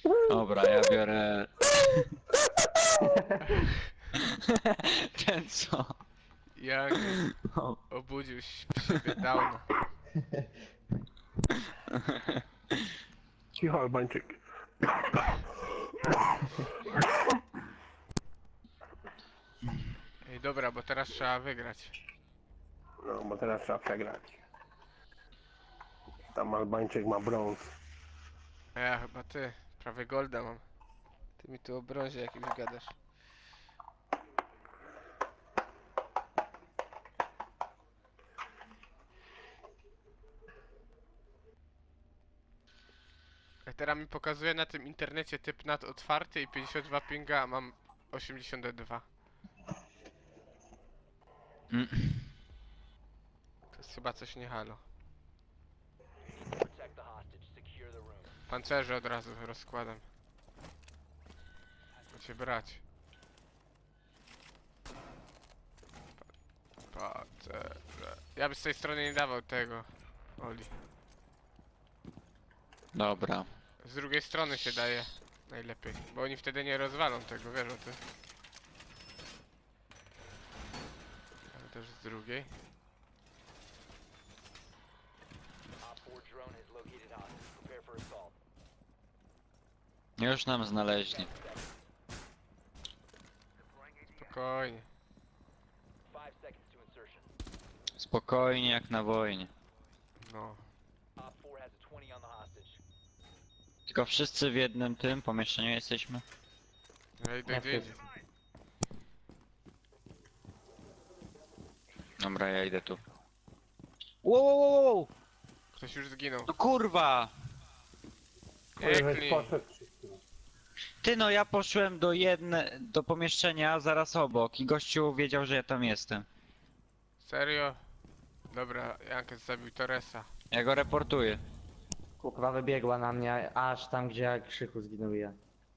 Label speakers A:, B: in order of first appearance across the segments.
A: Dobra, ja biorę... Ten co?
B: Jak obudził w siebie dawno.
C: Cicho, Albańczyk.
B: Ej, dobra, bo teraz trzeba wygrać.
C: No, bo teraz trzeba przegrać. Tam Albańczyk ma brąz.
B: A ja chyba ty. Prawie golda mam. Ty mi tu o brązie jakimś gadasz. A teraz mi pokazuje na tym internecie typ nad otwarty i 52 pinga, a mam 82.
A: Mm.
B: To jest chyba coś nie halo. Pancerze od razu rozkładam. Macie brać. Pancerze. Ja bym z tej strony nie dawał tego. Oli.
A: Dobra.
B: Z drugiej strony się daje najlepiej, bo oni wtedy nie rozwalą tego, wiesz o tym. Ale też z drugiej.
A: Już nam znaleźli.
B: Spokojnie.
A: Spokojnie jak na wojnie.
B: No.
A: Tylko wszyscy w jednym tym pomieszczeniu jesteśmy.
B: Ja idę gdzie indziej.
A: Dobra, ja idę tu. Wow!
B: Ktoś już zginął.
A: No kurwa!
B: Pięknie.
C: Poszedł.
A: Ty no, ja poszłem do pomieszczenia zaraz obok i gościu wiedział, że ja tam jestem.
B: Serio? Dobra, Jankes zabił Torresa.
A: Ja go reportuję.
D: Kurwa wybiegła na mnie, aż tam gdzie ja Krzychu zginął ja.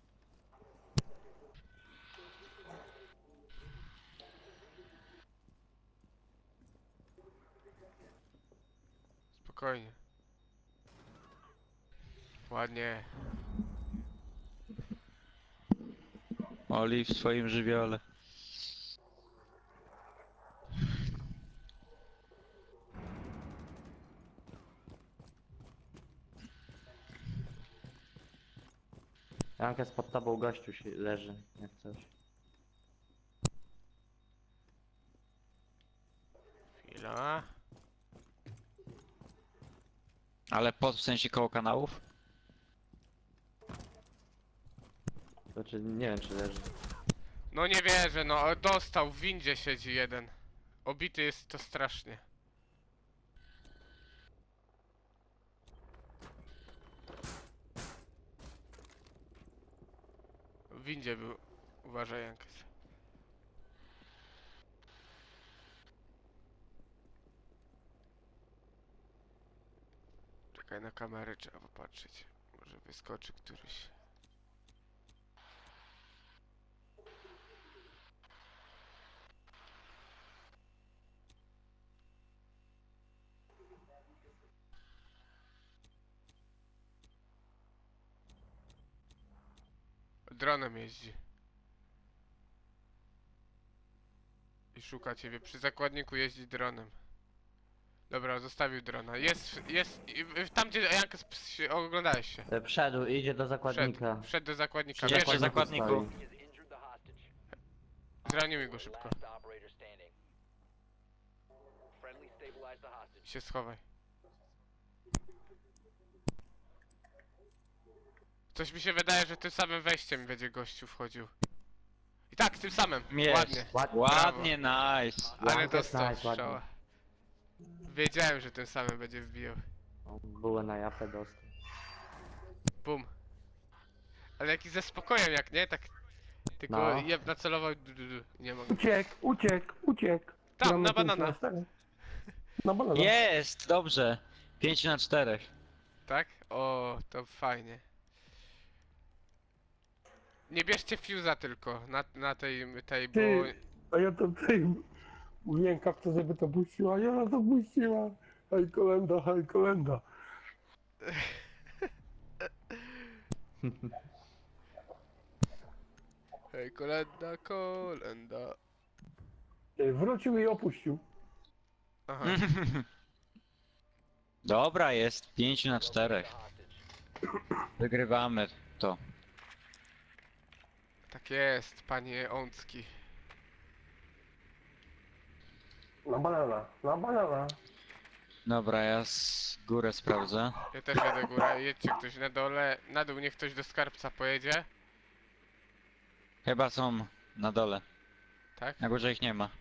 B: Spokojnie. Ładnie.
A: Oli w swoim żywiole.
D: Jankę pod tobą gościu się leży, jak coś.
B: Chwila.
A: Ale w sensie koło kanałów?
D: Znaczy nie wiem czy leży.
B: No nie wierzę, no dostał, w windzie siedzi jeden. Obity jest to strasznie. W windzie był. Uważaj, Jankes. Czekaj, na kamerę trzeba popatrzeć. Może wyskoczy któryś. Dronem jeździ. I szuka ciebie. Przy zakładniku jeździ dronem. Dobra, zostawił drona. Tam gdzie Jankes oglądałeś się.
D: Wszedł, idzie do zakładnika.
B: Wszedł do zakładnika.
A: Przy
B: Bierz,
A: zakładniku.
D: stoi.
B: zraniuj go szybko. I się schowaj. Coś mi się wydaje, że tym samym wejściem będzie gościu wchodził. I tak, tym samym.
A: Jest.
B: Ładnie.
A: Ładnie, nice.
B: Ale
D: Jankes
B: dostał
D: nice, ładnie.
B: strzała. Wiedziałem, że tym samym będzie wbijał.
D: O, było na japę dostał.
B: Bum. Ale jaki ze spokojem, jak nie? Tak. Tylko
D: No.
B: jeb nacelował. Nie mogę.
C: Uciekł.
B: Tam,
C: Mamy
B: na
C: 5
B: banana.
C: 4. Na banana.
A: Jest, dobrze. 5 na 4.
B: Tak? O, to fajnie. Nie bierzcie fuse'a tylko na tej, bo...
C: Ty, a ja to mówiłem kapce, żeby to puściła, i ona to puściła. Hej kolenda.
B: Hej, kolenda, kolenda.
C: Wrócił i opuścił.
B: Aha.
A: Dobra, jest 5 na 4. Wygrywamy to.
B: Tak jest, panie Łącki.
C: Na banana, na banana.
A: Dobra, ja z górę sprawdzę.
B: Ja też jadę górę, jedźcie ktoś na dole. Na dół niech ktoś do skarbca pojedzie.
A: Chyba są na dole.
B: Tak?
A: Na górze ich nie ma.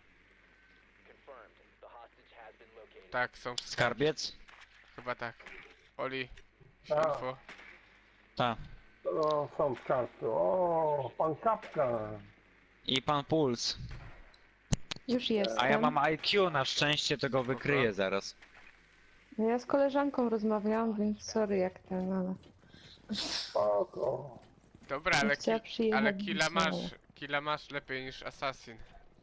B: Tak, są w
A: Skarbiec?
B: Chyba tak. Oli,
C: A.
B: info.
A: Ta.
C: O, są skarpy. O, pan Kapka.
A: I pan Puls.
E: Już jestem.
A: A ja mam IQ, na szczęście to go wykryję zaraz.
E: No ja z koleżanką rozmawiałam, więc sorry jak ten, ale...
C: Spoko.
B: Dobra, ale,
E: chciała przyjechać
B: ale killa
E: znowu.
B: masz. Killa masz lepiej niż Assassin.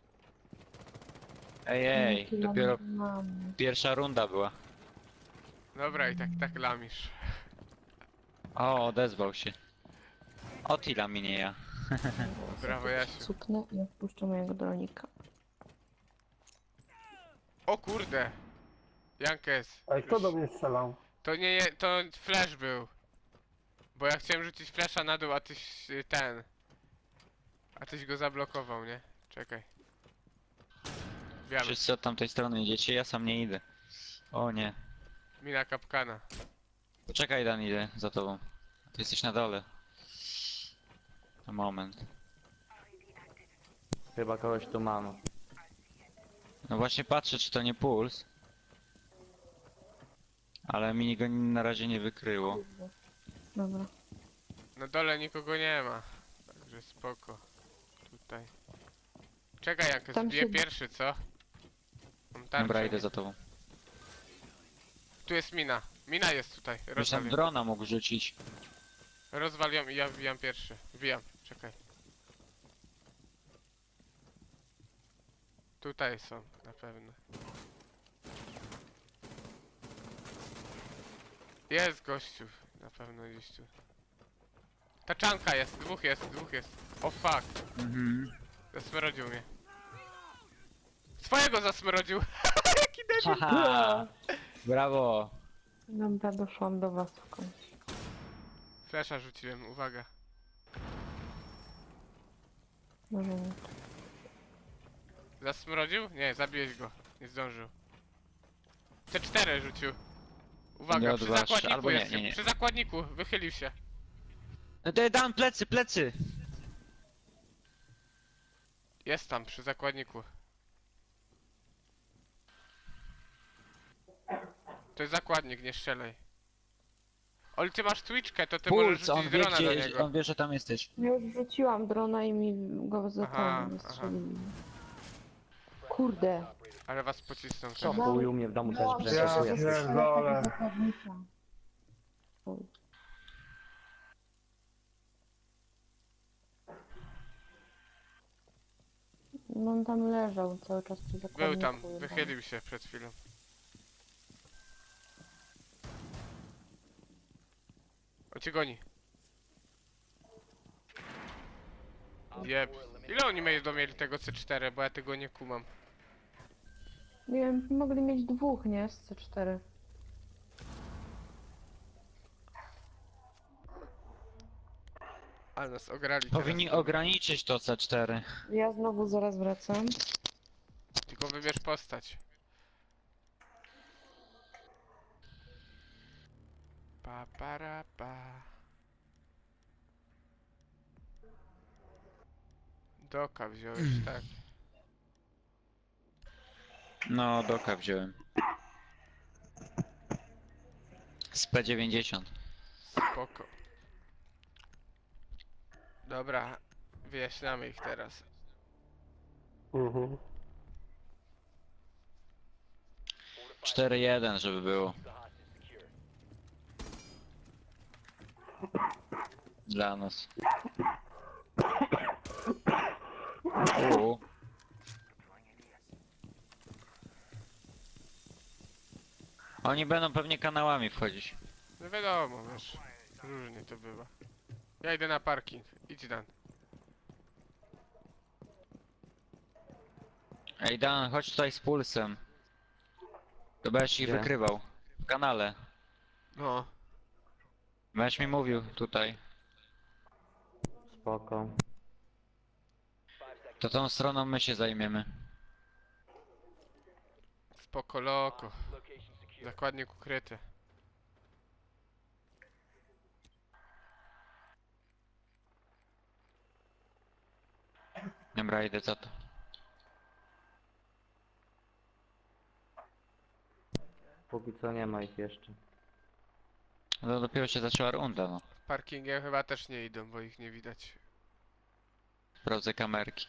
A: Ej,
E: Tyle
A: dopiero
E: mam.
A: pierwsza runda była.
B: Dobra, i tak lamisz.
A: O, odezwał się. Otila mi nie ja.
B: Brawo, Jasiu.
E: Cupnę i odpuszczę mojego dronika.
B: O kurde! Jankes.
C: A kto do mnie strzelał?
B: To nie, to flash był. Bo ja chciałem rzucić flasha na dół, a tyś ten. A tyś go zablokował, nie? Czekaj. Wiemy.
A: Wszyscy od tamtej strony idziecie, ja sam nie idę. O nie.
B: Mina kapkana.
A: Poczekaj Dan, idę za tobą. Ty jesteś na dole. Na moment.
D: Chyba kogoś tu mam.
A: No właśnie patrzę, czy to nie Puls. Ale mi go na razie nie wykryło.
E: Dobra.
B: Na dole nikogo nie ma. Także spoko. Tutaj. Czekaj, Jankes,
E: Tam
B: bije
E: się-
B: pierwszy, co? Mam tarczę.
A: Dobra, idę
B: nie?
A: za tobą.
B: Tu jest mina. Mina jest tutaj.
A: Już tam
B: Rozwal ją.
A: drona mógł rzucić.
B: Rozwal ją i ja wbijam pierwszy. Wbijam. Czekaj. Tutaj są, na pewno. Jest gościu. Na pewno gdzieś tu. Taczanka jest, dwóch jest. O fuck.
A: Mhm.
B: Zasmrodził mnie. Swojego zasmrodził! Jaki debil!
A: Haha! Brawo!
E: Dobra, doszłam do was w końcu.
B: Flesza rzuciłem, uwaga.
E: Może nie.
B: Zasmrodził? Nie, zabiłeś go. Nie zdążył. T4 rzucił. Uwaga,
A: Nie
B: przy
A: odważ,
B: zakładniku
A: albo nie,
B: jest.
A: nie.
B: Przy zakładniku, wychylił się.
A: Dan, plecy, plecy!
B: Jest tam, przy zakładniku. To jest zakładnik, nie strzelaj. Oli, ty masz Twitchkę, to ty możesz
A: Puls, on
B: rzucić
A: wie,
B: drona do
A: gdzie,
B: niego.
A: on wie, że tam jesteś.
E: Ja już rzuciłam drona i mi go za
B: Aha,
E: ten wystrzelili. Kurde.
B: Ale was pocisnął.
D: Co
B: teraz.
D: był u mnie w domu też
E: Ja
D: brzęczuje.
C: pierdolę.
E: zakładnika. No on tam leżał cały czas przy zakładniku.
B: Był tam,
E: chyba.
B: wychylił się przed chwilą. O, cię goni. Jeb. Ile oni mieli tego C4, bo ja tego nie kumam.
E: Nie wiem, mogli mieć dwóch, nie? Z C4.
B: Ale nas ograli
A: Powinni
B: teraz.
A: ograniczyć to C4.
E: Ja znowu zaraz wracam.
B: Tylko wybierz postać. Pa para pa. Doka wziąłeś, tak.
A: No, doka wziąłem. Z P90.
B: Spoko. Dobra, wyjaśniamy ich teraz.
C: Mhm.
A: 4-1, żeby było. Dla nas. U. Oni będą pewnie kanałami wchodzić.
B: No wiadomo, wiesz. Różnie to bywa. Ja idę na parking. Idź Dan.
A: Ej Dan, chodź tutaj z pulsem. To będziesz ich
D: Gdzie?
A: wykrywał. W kanale.
B: No.
A: Będziesz mi mówił tutaj.
D: Spoko.
A: To tą stroną my się zajmiemy.
B: Spoko loko. Zakładnik ukryty.
A: Dobra, idę za to.
D: Póki co nie ma ich jeszcze.
A: No dopiero się zaczęła runda, no.
B: Parkingiem chyba też nie idą, bo ich nie widać.
A: Sprawdzę kamerki.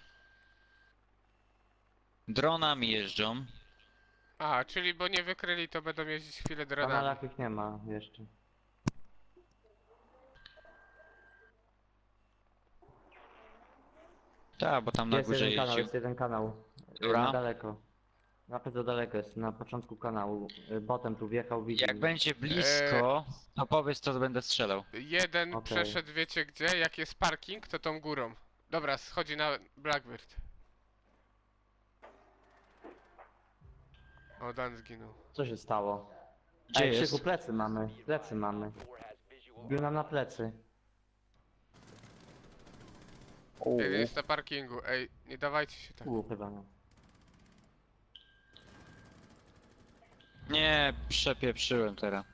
A: Dronami jeżdżą.
B: A, czyli bo nie wykryli, to będą jeździć chwilę
D: W
B: dronami.
D: kanalach ich nie ma jeszcze.
A: Tak, bo tam na
D: Jest
A: górze
D: jeden kanał,
A: jeździł.
D: jest jeden kanał.
A: Dobra.
D: Na daleko. Nawet za daleko jest, na początku kanału. Botem tu wjechał, widzi.
A: Jak będzie blisko, to powiedz, to będę strzelał.
B: Jeden
D: Okej.
B: przeszedł, wiecie gdzie? Jak jest parking, to tą górą. Dobra, schodzi na Blackbird. O, Dan zginął.
D: Co się stało?
A: Gdzie
D: Ej,
A: jest?
D: Krzyku, plecy mamy. Plecy mamy. Bił nam na plecy.
B: Jeden jest na parkingu. Ej, nie dawajcie się tak.
D: Chyba no.
A: Nie, przepieprzyłem teraz.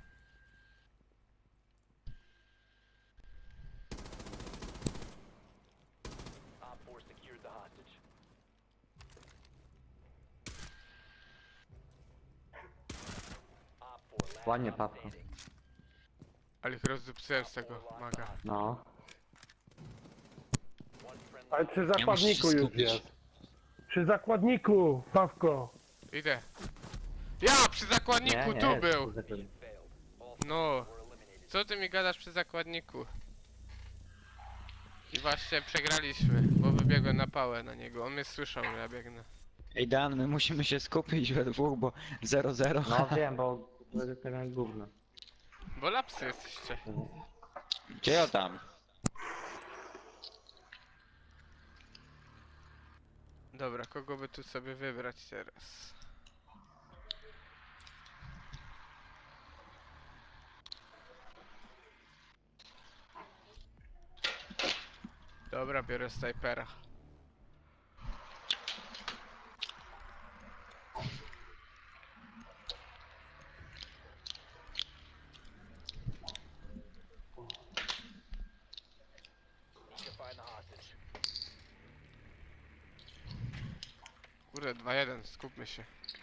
D: Ładnie, Pawko.
B: Ale ich rozdupcyłem z tego maga.
D: No.
C: Ale przy
A: Nie musisz
C: zakładniku
A: się
C: już
A: skupić.
C: jest. Przy zakładniku, Pawko.
B: Idę. Ja przy zakładniku tu
D: jest,
B: był!
D: kurde.
B: No. Co ty mi gadasz przy zakładniku? I właśnie przegraliśmy, bo wybiegłem na pałę na niego. On mnie słyszał, że ja biegnę.
A: Ej Dan, my musimy się skupić we dwóch, bo 0-0.
D: No wiem, bo to jak gówno.
B: Bo lapsy jesteście.
A: Gdzie ja tam?
B: Dobra, kogo by tu sobie wybrać teraz? Dobra, biorę snajpera. Kurde, 2-1, skupmy się.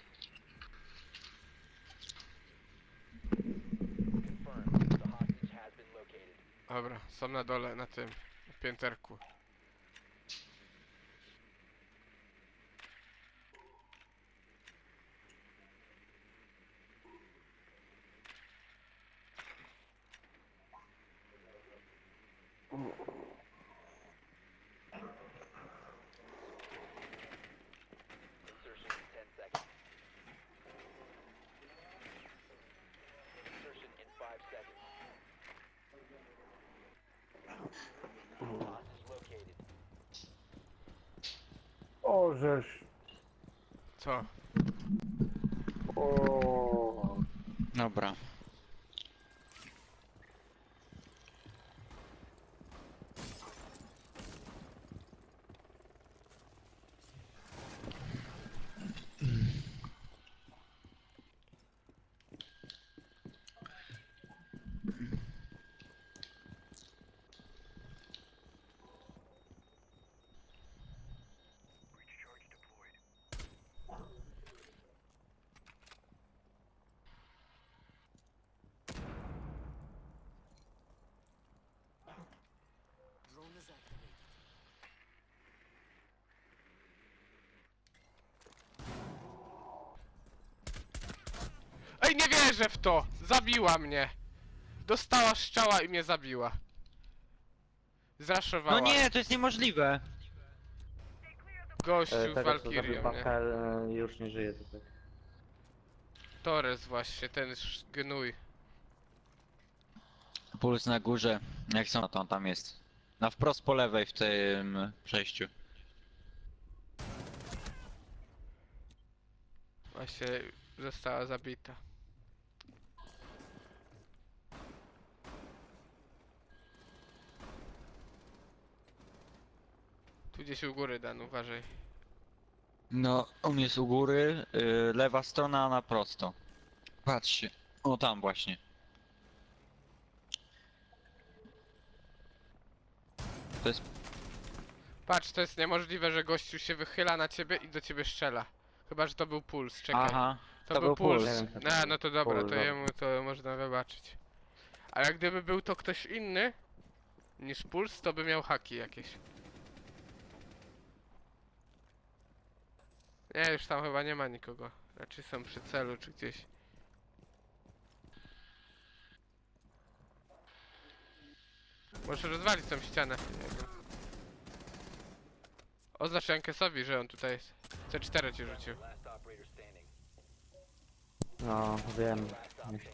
B: Dobra, są na dole, na tym, na pięterku.
C: O, żeż.
B: Co?
C: O.
A: Dobra.
B: Ej, nie wierzę w to! Zabiła mnie! Dostała strzała i mnie zabiła. Zraszowała.
A: No nie, to jest niemożliwe.
B: Gościu z
D: Tego co zabił
B: Valkyrią, nie?
D: Pawka już nie żyje tutaj.
B: Torres właśnie, ten gnój.
A: Puls na górze. Jak są, to on tam jest. Na wprost po lewej w tym przejściu.
B: Właśnie została zabita. Tu gdzieś u góry, Dan, uważaj.
A: No, on jest u góry, lewa strona na prosto. Patrzcie. O, tam właśnie. To jest...
B: Patrz, to jest niemożliwe, że gościu się wychyla na ciebie i do ciebie strzela. Chyba, że to był puls, czekaj.
A: Aha.
B: To był puls.
D: nie wiem, co to
B: No,
D: był.
B: no to dobra,
D: Puls,
B: to
D: dobra.
B: jemu to można wybaczyć. Ale gdyby był to ktoś inny niż puls, to by miał haki jakieś. Nie, już tam chyba nie ma nikogo. Raczej są przy celu czy gdzieś. Możesz rozwalić tą ścianę. Nie wiem. Oznacz Jankesowi, że on tutaj jest. C4 ci rzucił.
D: No, wiem. Myślę.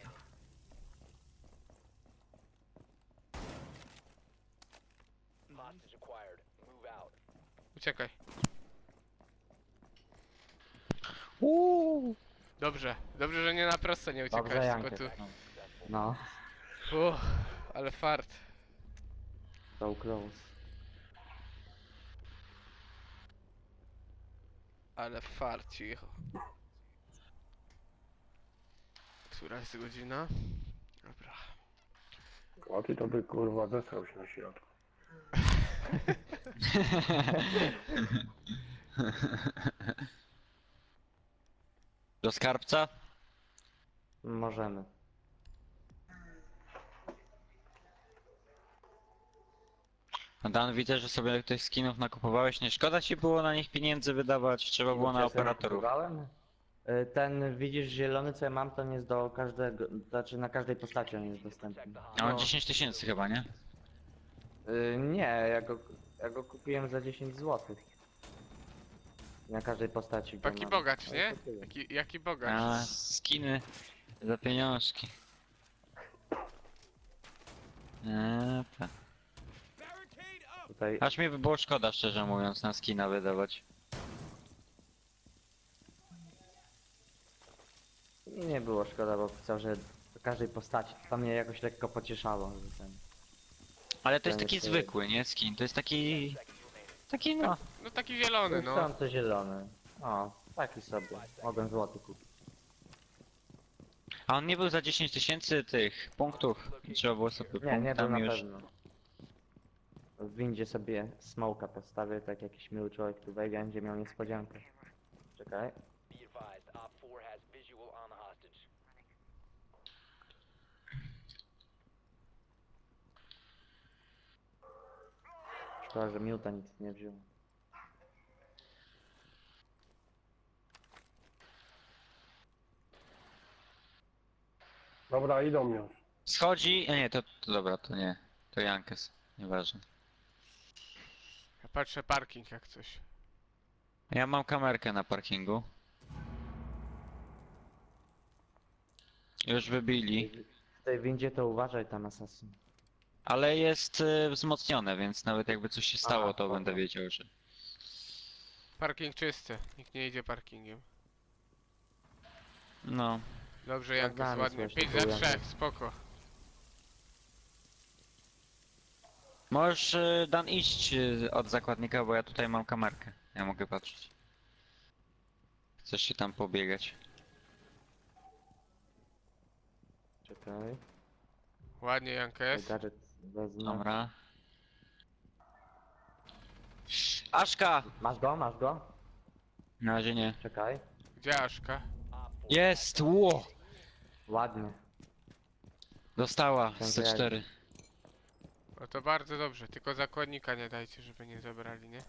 B: Uciekaj.
A: Uuu.
B: Dobrze. Dobrze, że nie na prosto nie
D: Dobrze,
B: uciekałeś, tylko
D: Jankę.
B: tu.
D: No,
B: Ale fart.
D: so close.
B: Ale fart, cicho. Która jest godzina? Dobra.
C: A ty to by kurwa zesrał się na środku.
A: Do skarbca?
D: Możemy.
A: No, Dan, widzę, że sobie tych skinów nakupowałeś. Nie szkoda ci było na nich pieniędzy wydawać? Trzeba było na
D: Czy ja sobie
A: operatorów.
D: nakupowałem? Ten, widzisz, zielony, co ja mam, to nie jest do każdego, znaczy na każdej postaci on jest dostępny.
A: A on 10 tysięcy chyba, nie?
D: Nie, ja go kupiłem za 10 zł. Na każdej postaci. go
B: Taki
D: mam.
B: bogacz,
D: Ale
B: nie?
D: to tyle.
B: Jaki bogacz.
A: A, skiny za pieniążki. Tak.
D: Tutaj
A: Aż mi by było szkoda, szczerze mówiąc, na skina wydawać.
D: nie było szkoda, bo pisał, że do każdej postaci. To mnie jakoś lekko pocieszało, że ten.
A: Ale to jest
D: Ten
A: taki
D: jest-
A: zwykły, nie? Skin. To jest taki... Taki no...
B: No taki zielony, no.
D: Są to zielony. O, taki sobie. Mogłem złoty kupić.
A: A on nie był za 10 tysięcy tych punktów. I trzeba było sobie
D: Nie był na
A: punktami już...
D: pewno. W windzie sobie smoka postawię, tak jakiś miły człowiek tu wejdzie, będzie miał niespodziankę. Czekaj. Szkoda, że miuta nic nie wziął.
C: Dobra, idą już.
A: Schodzi... Nie, to dobra, to nie. To Jankes. Nieważne.
B: Ja patrzę parking jak coś.
A: Ja mam kamerkę na parkingu. Już wybili.
D: W tej windzie to uważaj tam, asasyn.
A: Ale jest wzmocnione, więc nawet jakby coś się stało,
D: Aha,
A: to
D: spoko.
A: będę wiedział, że...
B: Parking czysty. Nikt nie idzie parkingiem.
A: No.
B: Dobrze, Jankes,
D: Sprawdzamy,
B: ładnie.
D: słuchaj,
B: 5 za
D: próbujemy.
B: 3, spoko.
A: Możesz, Dan, iść od zakładnika, bo ja tutaj mam kamerkę. Ja mogę patrzeć. Chcesz się tam pobiegać.
D: Czekaj.
B: Ładnie, Jankes.
D: Gadżet wezmę.
A: Dobra. Aszka!
D: Masz go? Masz go?
A: Na razie nie.
D: Czekaj.
B: Gdzie Aszka?
A: Jest! Ło!
D: Ładnie.
A: Dostała
D: Dziękuję.
A: z C4.
B: No to bardzo dobrze, tylko zakładnika nie dajcie, żeby nie zabrali, nie?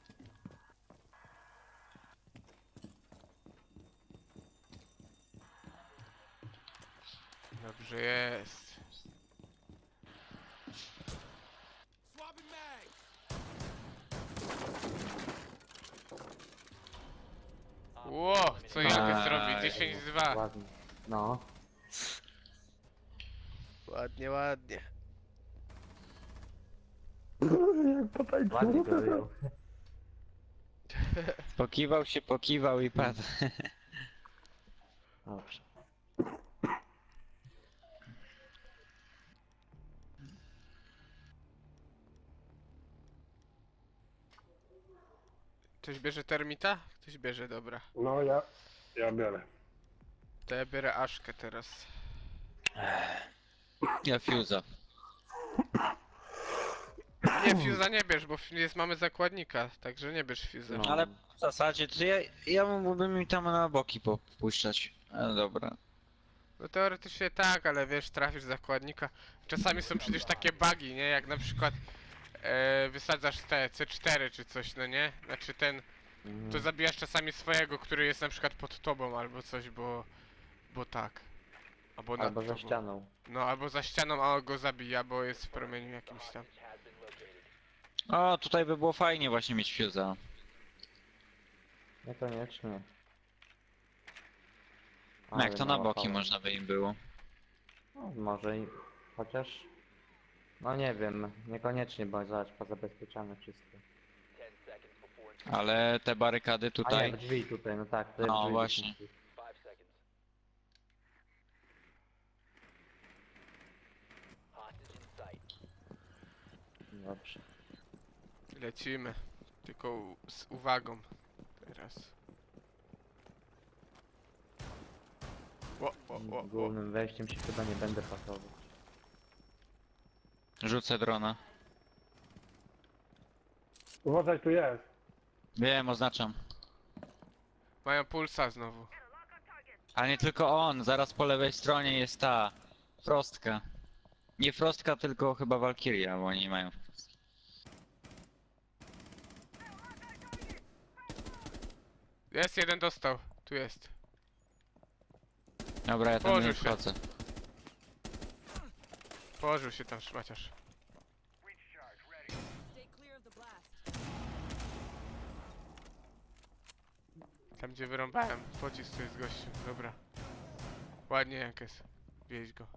B: Dobrze jest. Ło, co Jankes robi?
A: Aj.
B: 10-2.
D: Ładnie. No.
B: Ładnie, ładnie.
C: Jak potańczył.
D: Ładnie go wyjął.
A: Pokiwał się, pokiwał i padł.
D: Dobrze.
B: Ktoś bierze termita? Ktoś bierze, dobra.
C: No ja biorę.
B: To ja biorę Aszkę teraz.
A: Ja fuse'a.
B: Nie, Fuse'a nie bierz, bo mamy zakładnika, także nie bierz Fuse'a.
D: No.
A: Ale w zasadzie to ja mógłbym mi tam na boki popuszczać. Ale dobra.
B: No teoretycznie tak, ale wiesz, trafisz zakładnika. Czasami są przecież takie bugi, nie? Jak na przykład wysadzasz te C4 czy coś, no nie? Znaczy ten, to zabijasz czasami swojego, który jest na przykład pod tobą albo coś, bo tak. Albo nad
D: Albo za
B: tobą.
D: ścianą.
B: No, albo za ścianą, a on go zabija, bo jest w promieniu jakimś tam.
A: O, tutaj by było fajnie właśnie mieć fuse'a.
D: Niekoniecznie.
A: No jak
D: Ale
A: to na
D: mało
A: boki
D: faul.
A: można by im było.
D: No, może i... chociaż... No nie wiem, niekoniecznie, bo zobacz, pozabezpieczane wszystko.
A: Ale te barykady
D: A nie,
A: tutaj.
D: w drzwi tutaj, no tak, to
A: No,
D: drzwi
A: właśnie.
D: musi- Dobrze.
B: Lecimy. Tylko z uwagą. Teraz. O.
D: Głównym wejściem się chyba nie będę pasował.
A: Rzucę drona.
C: Uważaj, tu jest.
A: Wiem, oznaczam.
B: Mają pulsa znowu.
A: Ale nie tylko on, zaraz po lewej stronie jest ta Frostka. Nie Frostka, tylko chyba Valkyria, bo oni mają.
B: Jest, jeden dostał. Tu jest.
A: Dobra, ja tam
B: Położył
A: nie
B: się.
A: wchodzę.
B: Położył się tam szmaciarz.
F: Stay clear of the blast.
B: Tam gdzie wyrąbałem. Pocisk tu jest gościu. Dobra. Ładnie Jankes. Wieź go.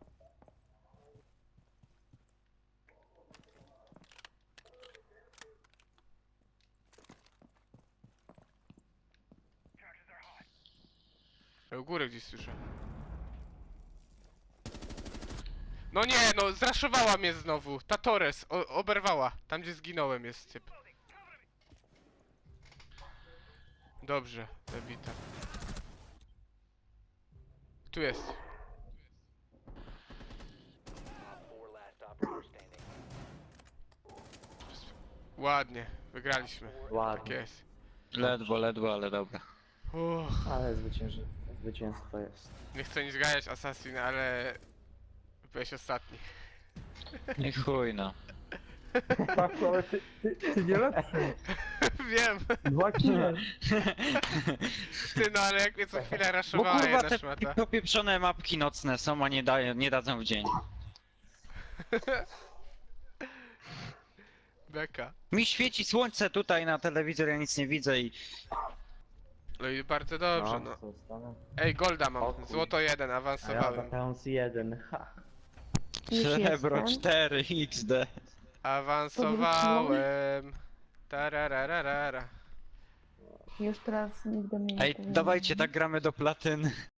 B: U góry gdzieś słyszę. No nie, no zraszowała mnie znowu. Ta Torres oberwała. Tam gdzie zginąłem jest typ. Dobrze, zabita. Tu jest. Ładnie, wygraliśmy. Tak
D: Ładnie,
B: jest.
A: Ledwo, ale dobra.
D: ale zwycięstwo jest.
B: Nie chcę nic ganiać Assassin, ale byłeś ostatni.
A: Nie chuj no.
C: Patrz, ale ty nie lepszy.
B: Wiem,
C: 2 kile.
B: ty no ale jak mnie co chwilę
A: Bo
B: raszowała
A: kurwa
B: jedna
A: te
B: szmata.
A: popieprzone mapki nocne są, a nie dadzą w dzień.
B: Beka.
A: Mi świeci słońce tutaj na telewizor, ja nic nie widzę i
B: No i bardzo dobrze, no.
D: co zostanę?
B: Ej, Golda
D: O
B: mam.
D: chuj.
B: Złoto 1,
D: A ja
B: awansowałem.
D: Batons 1, ha.
E: Już
A: srebro
E: jestem.
A: 4 XD.
B: Awansowałem. Tarararara.
E: Już teraz nigdy mnie nie
A: Ej,
E: powinno
A: dawajcie,
E: być.
A: tak gramy do platyny.